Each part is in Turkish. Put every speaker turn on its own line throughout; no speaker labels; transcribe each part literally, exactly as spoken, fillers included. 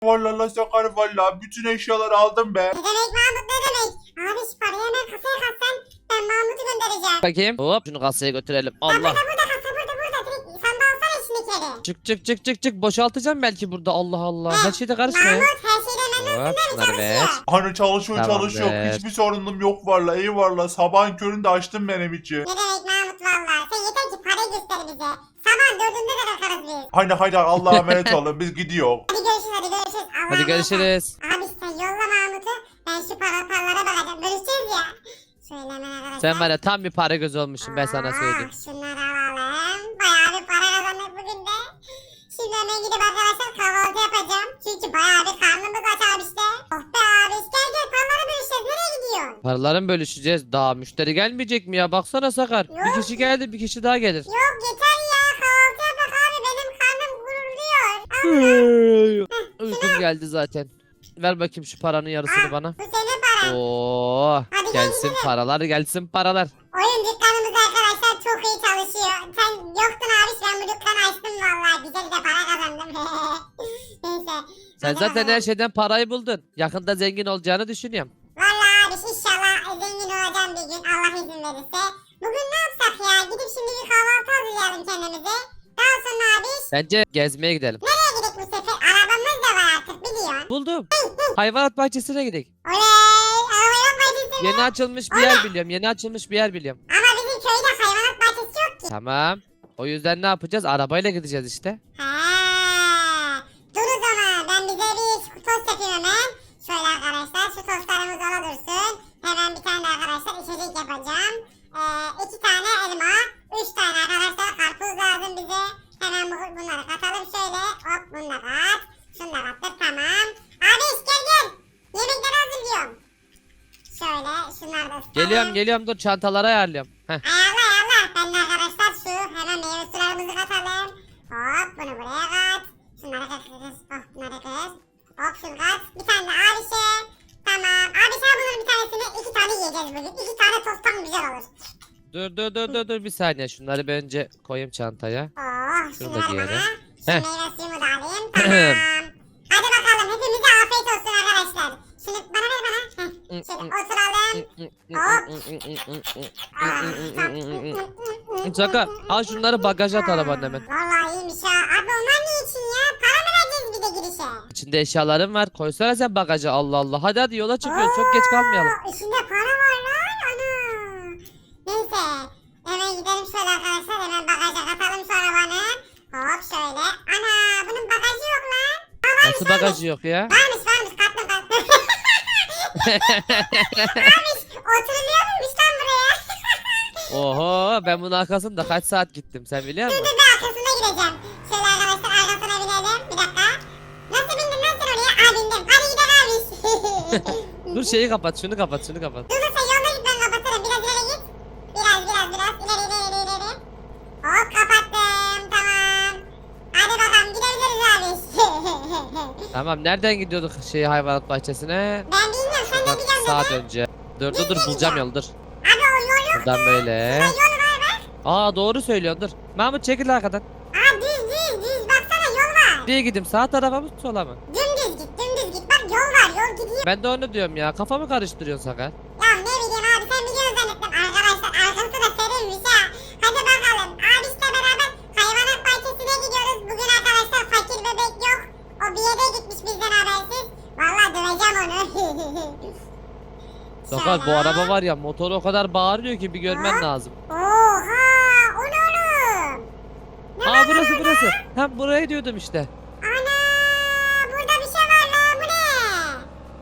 Vallahi la Sakar vallahi bütün eşyaları aldım be.
Ne demek Mahmut ne demek? Abi şu parayı hemen kasaya katsan ben Mahmut'u göndereceğim.
Bakayım. Hop şunu kasaya götürelim.
Ya
Allah.
burada burada kasa burada burada. Direkt sen de alsana içindeki.
Çık çık çık çık çık. Boşaltacağım belki burada. Allah Allah. Her şeyde karışma ya.
Mahmut her şeyden memnunsun
Hop
değil mi?
şunları ver.
Çalışıyor.
Hani çalışıyor
Tamam
çalışıyor.
be.
Hiçbir sorunum yok vallahi eyvallah. Sabahın köründe açtım benim için.
Ne demek Mahmut valla. Sen yeter ki parayı göster bize. Sabah dördünde de bakarız biz.
Hani hadi Allah'a emanet olun biz gidiyor.
Hadi görüşürüz hadi görüşürüz. Allah'a
Hadi
emanet ol.
görüşürüz.
Abi sen yolla Mahmut'u. Ben şu para paralara bakacağım. Bölüşeceğiz ya. Şöyle hemen arkadaşlar.
Sen var ya tam bir para gözü olmuşsun ben sana
Aa,
söyleyeyim.
Şunları alalım. Bayağı bir para kazandık bugün de. Şimdi hemen gidip arkadaşlar kahvaltı yapacağım. Çünkü bayağı bir karnımız aç abi işte. Oh be abi gel gel paraları bölüşeceğiz. Nereye gidiyorsun?
Paraları mı bölüşeceğiz? Daha müşteri gelmeyecek mi ya? Baksana Sakar.
Yok.
Bir kişi geldi bir kişi daha gelir.
Yok yeter ya kahvaltı yapak abi. Benim karnım gururluyor.
Uykum geldi zaten. Ver bakayım şu paranın yarısını
Aa,
bana.
Bu senin paran.
Oo,
Hadi gel
gelsin
gidelim.
paralar gelsin paralar.
Oyun dükkanımız arkadaşlar çok iyi çalışıyor. Sen yoktun abi ben bu dükkanı açtım vallahi. Güzel de para kazandım. Neyse.
Sen
hadi
zaten
bakalım.
her şeyden parayı buldun. Yakında zengin olacağını düşünüyorum.
Vallahi abi inşallah zengin olacağım bir gün Allah izin verirse. Bugün ne yapsak ya? Gidip şimdi bir kahvaltı hazırlayalım kendimize. Daha sonra abi
Bence gezmeye gidelim.
nereye gidelim bu sefer? Arabamız da var artık biliyorsun.
Buldum. Hayvanat bahçesine gidelim.
Oley! Arabaya bahçesi mi?
Yeni açılmış bir yer biliyorum. Yeni açılmış bir yer biliyorum.
Ama bizim köyde hayvanat bahçesi yok ki.
Tamam. O yüzden ne yapacağız? Arabayla gideceğiz işte.
He. Dur o zaman ben bize bir tost yapayım hemen. Şöyle arkadaşlar şu tostlarımız ona dursun. Hemen bir tane de arkadaşlar içecek yapacağım. Ee, iki tane elma. Üç tane arkadaşlar karpuz lazım bize. Hemen bu, bunları katalım şöyle. Hop bunu da kat. Şunu da kattık tamam. Abi gel gel. Yemekleri hazırlıyorum. Şöyle şunları da ısıtalım.
Geliyorum geliyorum dur çantaları ayarlıyorum. Heh.
Ayarla ayarla. Ben de arkadaşlar şu hemen meyve sularımızı katalım. Hop bunu buraya kat. Şunları kat kız. Hop bunları kız. Hop şunu kat. Bir tane de abişe. Tamam. Abişe bunun bir tanesini iki tane yiyeceğiz bugün. İki tane tosttan güzel olur.
Dur dur dur dur dur bir saniye şunları ben önce koyayım çantaya.
Oh
Şunu
şunu
da
ver
giyelim.
bana. Şu
Heh.
meyve suyumu da alayım. Tamam. Hadi bakalım hepimize afiyet olsun arkadaşlar. Şunu bana ver bana. Heh. Şöyle oturalım. Hop.
Sakar al şunları bagaja at arabanın hemen.
Vallahi iyiymiş ha. Abi onlar ne için ya? Para mı vereceğiz bir de girişe?
İçinde eşyalarım var. Koysana sen bagaja Allah Allah. Hadi hadi yola çıkıyoruz. Çok geç kalmayalım.
Oo, İçinde para var lan. Ana. Neyse. Hemen gidelim şöyle arkadaşlar. Hemen bagaja katalım şu arabanı. Hop şöyle. Ana bunun bagajı yok lan. Aa, varmış,
Nasıl
varmış.
bagajı yok ya?
Varmış varmış kattım kattım. Varmış oturuluyor muymuş lan buraya?
Oho ben bunun arkasında kaç saat gittim sen biliyor
Dur
musun?
dur bir arkasına gireceğim. Şöyle arkadaşlar arkasına binelim. Bir dakika. Nasıl bindin lan sen oraya? Aa bindim. Hadi gidelim abi.
Dur şeyi kapat şunu kapat şunu kapat.
Dur dur sen yolda git ben kapatırım. Biraz ileri git. Biraz biraz biraz ileri ileri ileri ileri. Hop kapattım tamam. Hadi bakalım gidebiliriz abi.
Tamam nereden gidiyorduk şey hayvanat bahçesine?
Ben bilmiyorum sen de
Bak
biliyorsun
saat
dedi.
önce. Dur dur dur bulacağım yolu dur.
Abi o yol yok.
Buradan böyle.
Şurada yol var bak.
Aa doğru söylüyorsun dur. Mahmut çekil arkadan.
Aa düz düz düz baksana yol var.
Nereye gideyim sağ tarafa mı sola mı?
Dümdüz git dümdüz git. Bak yol var yol gidiyor.
Ben de onu diyorum ya kafamı karıştırıyorsun Sakar.
Ya ne bileyim abi sen biliyorsun zannettim. Arkadaşlar arkası da serilmiş ha. Hadi bakalım. Abişle beraber hayvanat bahçesine gidiyoruz. Bugün arkadaşlar fakir bebek yok. O bir yere gitmiş bizden habersiz. Vallahi döveceğim onu.
Sakar bu
Şöyle.
araba var ya motoru o kadar bağırıyor ki bir görmen lazım.
Oha o ne oğlum? Ne
Aa
var
burası
burada?
burası. Hem buraya diyordum işte.
Ana burada bir şey var lan bu ne?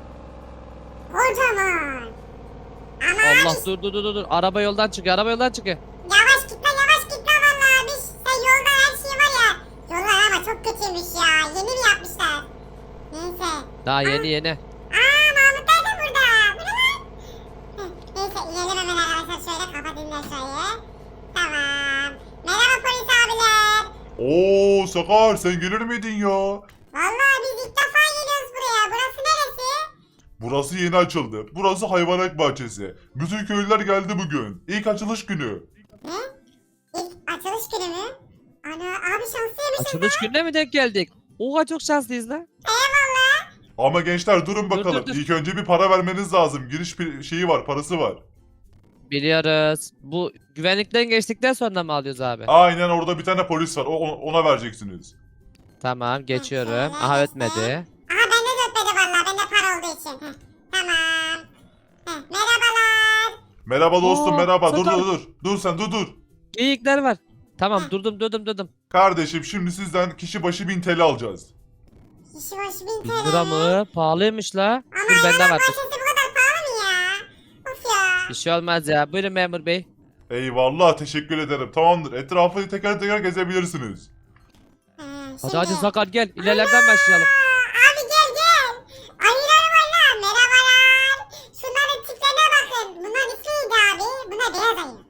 Kocaman. Ama
Allah
abi,
dur dur dur dur. Araba yoldan çıkıyor araba yoldan çıkıyor.
yavaş git lan yavaş git lan valla abi. Sen yolda her şey var ya. Yollar ama çok kötüymüş ya. Yeni mi yapmışlar? Neyse.
Daha yeni yeni.
Aa Mahmutlar da burada. Bu ne lan? Heh, neyse inelim hemen arkadaşlar şöyle kapatayım da şöyle. Tamam. Merhaba polis abiler.
Oo Sakar sen gelir miydin ya?
Vallahi biz ilk defa geliyoruz buraya. Burası neresi?
Burası yeni açıldı. Burası hayvanat bahçesi. Bütün köylüler geldi bugün. İlk açılış günü.
Ne? İlk açılış günü mü? Ana abi şanslıymışsın
Açılış
lan.
gününe mi denk geldik? Oha çok şanslıyız lan.
Eyvallah.
Ama gençler durun
Dur,
bakalım.
dur, dur.
İlk önce bir para vermeniz lazım. Giriş pi- şeyi var, parası var.
Biliyoruz. Bu güvenlikten geçtikten sonra mı alıyoruz abi?
Aynen orada bir tane polis var. O, ona vereceksiniz.
Tamam geçiyorum.
şöyle
Aha
geçtim.
ötmedi.
Aha bende de ötmedi valla. Bende para olduğu için. Heh, tamam. Heh, merhabalar.
Merhaba dostum
Oo,
merhaba. Dur
sakar.
dur dur. Dur sen dur dur.
Geyikler var. Tamam durdum durdum durdum.
Kardeşim şimdi sizden kişi başı bin T L alacağız.
Kişi başı bin
bin
T L.
lira mı? Pahalıymış la.
Ama
Dur bende
hayvanat
var. dur.
bahçesi bu kadar pahalı mı ya? Of ya.
Bir şey olmaz ya. Buyurun memur bey.
Eyvallah teşekkür ederim. Tamamdır. Etrafı teker teker gezebilirsiniz.
Ee,
Hadi
şimdi-
hadi Sakar gel. İlerlerden başlayalım.
Aa, abi gel gel. Ayılar var lan. Merhabalar. Şunların tiplerine bakın. Bunların ismi neydi abi? Bunlar beyaz ayı.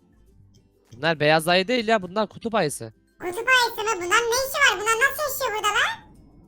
Bunlar beyaz ayı değil ya. Bunlar kutup ayısı.
Kutup ayısı mı? Bunların ne işi var? Bunlar nasıl yaşıyor burada lan?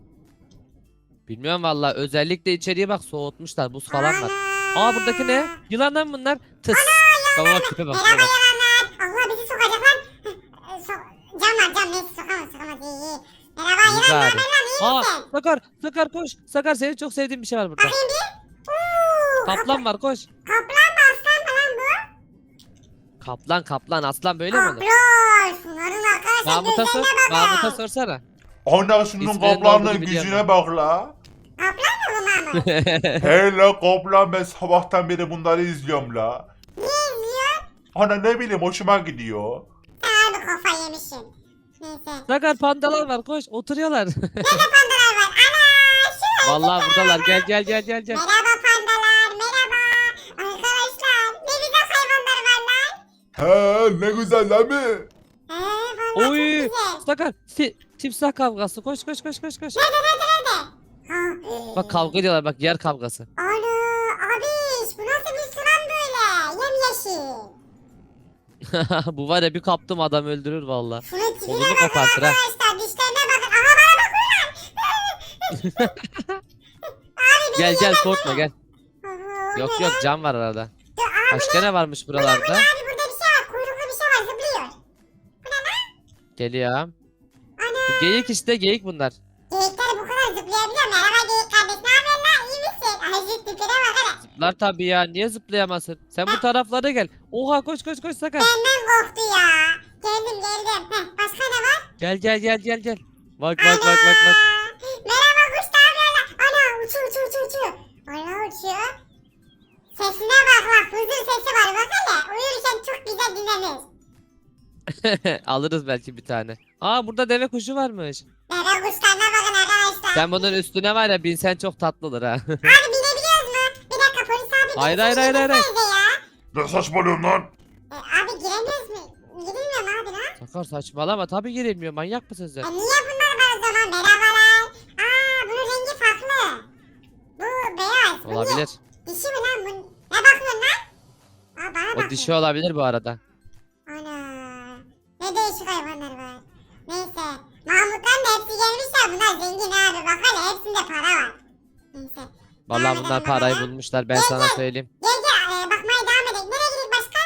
Bilmiyorum valla. Özellikle içeriye bak soğutmuşlar. Buz falan var.
Ana.
Aa buradaki ne? Yılan lan bunlar. Tıs. Baba bak tipe bak.
Merhaba
tipe bak.
yalanlar. Allah bizi sokacak lan. Heh, so cam var cam. Neyse sokamaz sokamaz. İyi iyi. Merhaba
İyi
yılan ne
bari.
haber lan? İyi
Aa
misin?
Sakar. Sakar koş. Sakar senin çok sevdiğin bir şey var burada.
Bakayım bir. Uuu.
Kaplan var koş.
Kaplan mı aslan mı lan bu?
Kaplan kaplan aslan böyle mi olur?
Kaplan. Şunların arkadaşlar
Mahmut'a sor.
gözlerine bakın.
Mahmut'a sorsana.
Ana şunun
İsminin ne olduğunu
kaplanın
biliyorum
gücüne bak la.
Kaplan mı bu Mahmut?
Hele kaplan ben sabahtan beri bunları izliyorum la.
Niye izliyor?
Ana ne bileyim hoşuma gidiyor.
Sen abi kafa yemişsin. Neyse.
Sakar pandalar var koş oturuyorlar.
Nerede pandalar var? Ana şu.
Vallahi buradalar gel gel gel gel gel.
Merhaba pandalar. Merhaba. Arkadaşlar ne güzel hayvanlar var lan.
He ne güzel değil mi?
Ee, vallahi
Oy
çok güzel.
Sakar ti- timsah kavgası koş koş koş koş koş.
Nerede nerede nerede? Ha.
Bak kavga ediyorlar bak yer kavgası.
Ana abiş bu nasıl bir su lan böyle? Yemyeşil.
Bu var ya bir kaptım adam öldürür valla.
Şunun tipine
Kolunu
bakın
kopartır ha.
arkadaşlar. Dişlerine bakın. Aha bana bakın lan. Abi beni
Gel gel
yemez
korkma
mi?
gel.
Aha, o
Yok
ne
yok
lan?
cam var arada.
Dur, aa,
Başka ne varmış
bu ne, bu ne
buralarda?
abi burada bir şey var. Kuyruklu bir şey var zıplıyor. Bu ne lan?
Geliyorum.
Ana.
Bu geyik işte geyik bunlar.
Geyikler bu kadar zıplayabiliyor. Merhaba geyik kardeş. Ne haber lan? İyi misin? Ay tipine bak hele.
Zıplar tabii ya niye zıplayamasın? Sen bu taraflara gel. Oha koş koş koş Sakar.
Benden korktu ya. Geldim geldim. Heh, başka ne var?
Gel gel gel gel gel. Bak bak bak bak bak.
Merhaba kuş ne yapıyorlar? Ana uçuyor uçuyor uçuyor uçuyor. Ana uçuyor. Sesine bak bak huzur sesi var bak hele. Uyurken çok güzel dinlenir.
Alırız belki bir tane. Aa burada deve kuşu varmış.
Deve kuşlarına bakın arkadaşlar.
Sen bunun üstüne var ya binsen çok tatlı olur ha.
Abi binebiliyoruz mu? Bir dakika polis abi.
Hayır,
beni
hayır, hayır, hayır, hayır.
getirsenize ya.
Ne saçmalıyorsun lan?
E, abi giremiyoruz mu? Girilmiyor mu abi lan?
Sakar saçmalama tabii girilmiyor manyak mısın sen?
E niye bunlar var o zaman? Merhabalar. Aa bunun rengi farklı. Bu beyaz. Bu niye?
Olabilir.
Dişi mi lan bu? Ne bakıyorsun lan? Aa bana
O
bakıyor.
dişi olabilir bu arada.
Ana. Ne değişik hayvanlar var. Neyse. Mahmutların da hepsi gelmişler. Bunlar zengin abi. Bak hele hepsinde para var. Neyse.
Vallahi
Devam
bunlar
edelim
parayı
bakalım.
bulmuşlar ben
Gel,
sana
gel.
söyleyeyim.
Gel gel. e, bakmaya devam edelim. Nereye gidelim başka?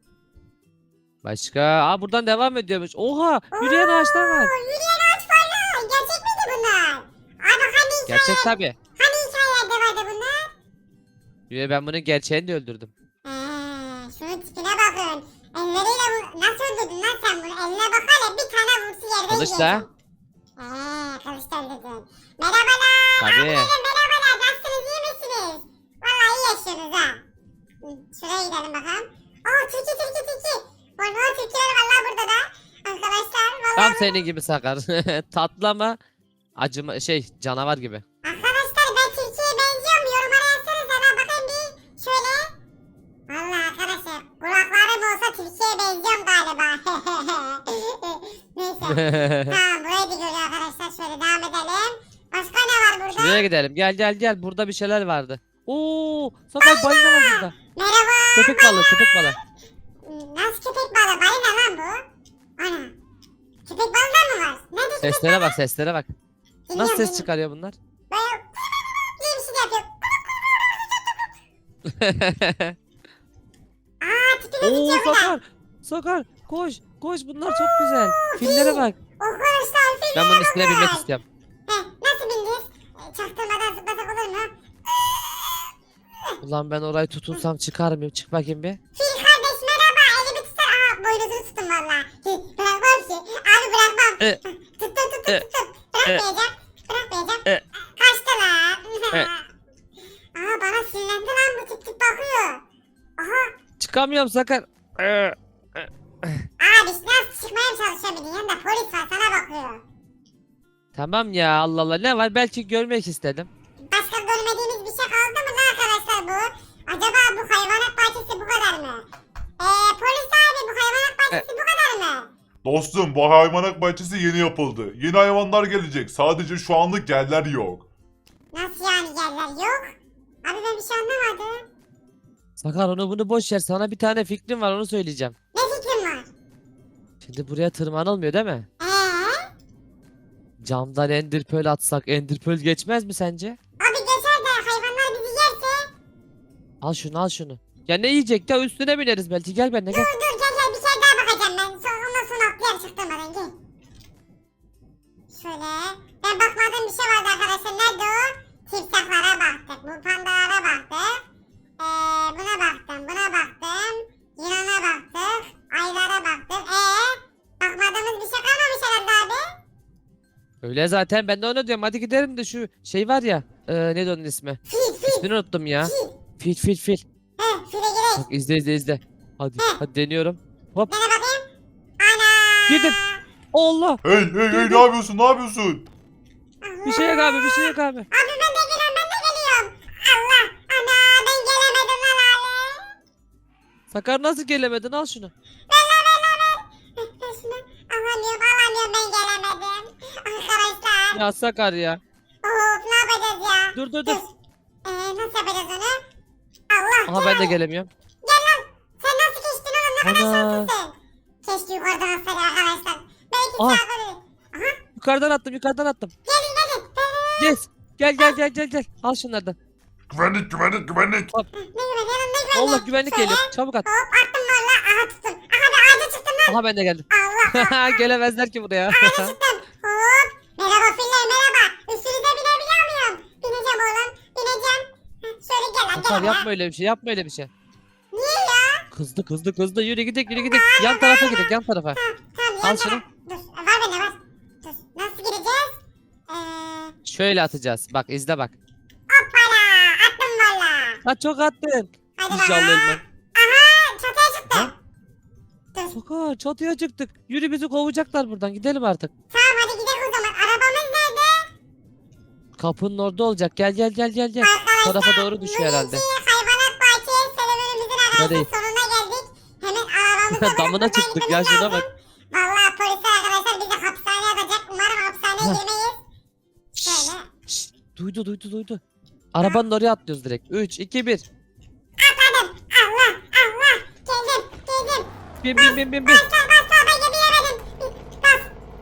Başka? Aa buradan devam ediyormuş. Oha yürüyen ağaçlar var.
Oo, yürüyen ağaç var lan. Gerçek miydi bunlar? Abi hani hikaye,
Gerçek tabii.
hani hikayelerde vardı bunlar?
Yürü ben bunun gerçeğini de öldürdüm.
Eee şunun tipine bakın. Elleriyle bu, nasıl öldürdün lan sen bunu? Eline bak hele bir tane vursu yerden
Kılıçla.
Eee kılıçla öldürdün. Merhabalar.
Tabii.
Abilerim merhabalar. Nasılsınız iyi misiniz? Vallahi iyi yaşıyorsunuz ha. Hı, şuraya gidelim bakalım. Aa tilki tilki tilki. Vallahi tilkiler vallahi burada da. Arkadaşlar vallahi.
Tam senin gibi Sakar. Tatlı ama acıma şey canavar gibi.
Arkadaşlar ben tilkiye benziyorum. Yorumlara yazsanıza lan bakayım bir. Şöyle. Vallahi arkadaşlar kulaklarım olsa tilkiye benziyorum galiba. Neyse. Tamam burayı bir görüyor arkadaşlar. Şöyle devam edelim. Başka ne var burada?
Şuraya gidelim. Gel gel gel. Burada bir şeyler vardı. Oo, Sakar balina var burada.
Merhaba.
Köpek balığı, köpek balığı.
Nasıl köpek balığı? Balina lan bu. Ana. Köpek balığı da mı var? Nerede köpek
Seslere bak, seslere bak.
Dinliyorum,
Nasıl ses
dinliyorum.
çıkarıyor bunlar?
Böyle diye bir şey yapıyor. Aa tipine
Oo
bitiyor bu da.
Sakar. Sakar koş, koş bunlar çok güzel. Fillere bak.
Arkadaşlar filler
Ben bunun üstüne
bakın.
binmek istiyorum.
Heh, nasıl bindiniz? E, çaktırmadan zıpla atlasak olur mu?
Ulan ben orayı tutunsam çıkar mıyım? Çık bakayım bir.
Fil kardeş merhaba. Elimi tutsana. Aha boynuzunu tuttum valla. Bırakmam ki. Abi bırakmam.
E,
Tuttum tuttum
e,
tuttum. Bırakmayacağım. Bırakmayacağım.
E.
Kaçtı lan.
E.
Aha bana sinirlendi lan bu tip tip bakıyor. Aha.
Çıkamıyorum Sakar. Ee,
Abi nasıl çıkmaya mı çalışabiliyorsun? Yanında polis var sana bakıyor.
Tamam ya Allah Allah ne var belki görmek istedim.
Başka görmediğimiz bir şey kaldı mı lan arkadaşlar bu? Acaba bu hayvanat bahçesi bu kadar mı? Eee polis abi bu hayvanat bahçesi bu kadar mı?
Dostum bu hayvanat bahçesi yeni yapıldı. Yeni hayvanlar gelecek. Sadece şu anlık yerler yok.
Nasıl yani yerler yok? Abi ben bir şey anlamadım.
Sakar onu bunu boş ver sana bir tane fikrim var onu söyleyeceğim.
Ne fikrin var?
Şimdi buraya tırmanılmıyor değil mi?
Eee?
Camdan enderpearl atsak enderpearl geçmez mi sence?
Abi geçer de hayvanlar bizi yerse?
Al şunu al şunu. Ya ne yiyecek ya üstüne bineriz belki gel benimle gel.
Dur dur gel gel bir şey daha bakacağım ben. Sonra ondan sonra atlayalım çıktırmadan gel. Şöyle. Ben bakmadığım bir şey vardı arkadaşlar. Nerede o? Timsahlara baktık. Bu pandalara baktık. Ee, buna baktım. Buna baktım. Yılana baktık. Aylara baktık. Ee, bakmadığımız bir şey kalmamış herhalde abi.
Öyle zaten ben de onu diyorum hadi gidelim de şu şey var ya. E, neydi onun ismi?
Fil fil.
İsmini unuttum ya.
Fil.
Fil fil fil.
He file gerek.
Bak izle izle izle. Hadi hadi deniyorum. Hop
Dene bakayım. Ana.
girdim. Allah.
Hey hey hey ne yapıyorsun ne yapıyorsun?
Bir şey yok abi bir şey yok abi.
Abi ben de geliyorum ben de geliyorum. Allah. Ana ben gelemedim lan abi.
Sakar nasıl gelemedin al şunu.
Ver lan ver lan ver. Ver şunu. Alamıyorum alamıyorum ben gelemedim. Arkadaşlar.
Ya Sakar ya.
Of ne yapacağız ya?
Dur dur dur.
Eee nasıl yapacağız onu? Allah.
Aha ben de gelemiyorum.
Gel lan. Sen nasıl geçtin oğlum ne kadar
Ana.
şanslısın. Keşke yukarıdan atsaydı arkadaşlar. Belki
Ah.
sağ böyle. Aha.
Yukarıdan attım yukarıdan attım.
Gelin gelin.
Gel. Gel gel gel gel gel. Al şunlardan.
Güvenlik güvenlik güvenlik.
Ne güvenli lan ne güvenli.
Allah güvenlik
Şöyle.
geliyor. Çabuk at.
Hop attım valla. Aha tuttum. Aha ben ağaca çıktım lan.
Aha ben de geldim.
Allah.
Gelemezler ki buraya.
Ağaca çıktım. Hop. Merhaba filler merhaba. Üstünüze binebiliyor muyum? Bineceğim oğlum. Bineceğim. Heh, şöyle gel lan
Sakar
gel
yapma
lan.
öyle bir şey yapma öyle bir şey.
Niye ya?
Kızdı kızdı kızdı yürü gidelim yürü gidelim. Yan tarafa gidelim yan tarafa.
Tamam tamam.
Al
yan
şunu.
taraf- Dur var bende var. Dur. Nasıl gireceğiz? Eee.
Şöyle atacağız. Bak izle bak.
Hoppala. Attım valla.
Ha çok attın.
Hadi
İnşallah
bakalım.
ölmem.
Aha çatıya çıktım.
Ha?
Dur.
Sakar çatıya çıktık. Yürü bizi kovacaklar buradan gidelim artık.
Tamam hadi gidelim o zaman. Arabamız nerede?
Kapının orada olacak. Gel gel gel gel gel.
Arkadaşlar.
Tarafa doğru düşüyor herhalde.
bugünkü hayvanat bahçesi serüvenimizin arkadaşlar
değil.
sonuna geldik. Hemen arabamıza
Damına
buradan
çıktık ya,
gitmemiz
şuna
lazım.
bak.
Vallahi polisler arkadaşlar bizi hapishaneye atacak. Umarım hapishaneye
Heh.
girmeyiz. Şöyle.
Şşt, duydu duydu duydu. Arabanın oraya atlıyoruz direkt. üç iki bir.
Atladım. Allah Allah. Geldim geldim.
Bin bin bin bin bin.
Bas bas bas bas. Ben gidemedim. Bas.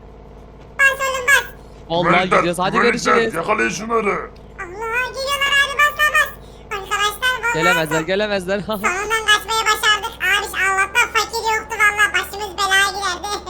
Bas oğlum bas.
Vallahi
Güvenlikler,
gidiyoruz. Hadi
güvenlikler,
görüşürüz.
Yakalayın şunları.
Allah geliyorlar abi bas bas bas. Arkadaşlar vallahi.
Gelemezler gelemezler.
Sonundan kaçmayı başardık. Abi Allah'tan fakir yoktu valla. Başımız belaya girerdi.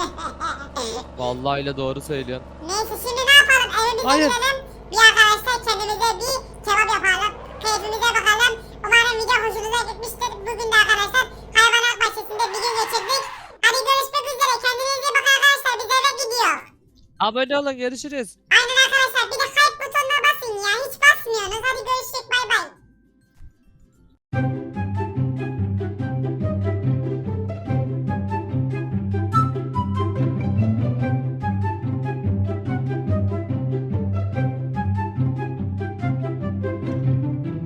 Vallahi öyle doğru söylüyorsun.
Neyse şimdi ne yapalım? Evimize
Hayır.
gidelim. Bir arkadaşlar kendimize bir kebap yapalım. Keyfimize bakalım. Umarım video hoşunuza gitmiştir. Bugün de arkadaşlar hayvanat bahçesinde bir gün geçirdik. Hadi görüşmek üzere. Kendinize iyi bakın arkadaşlar. Biz eve gidiyor.
Abone olun görüşürüz.
Aynen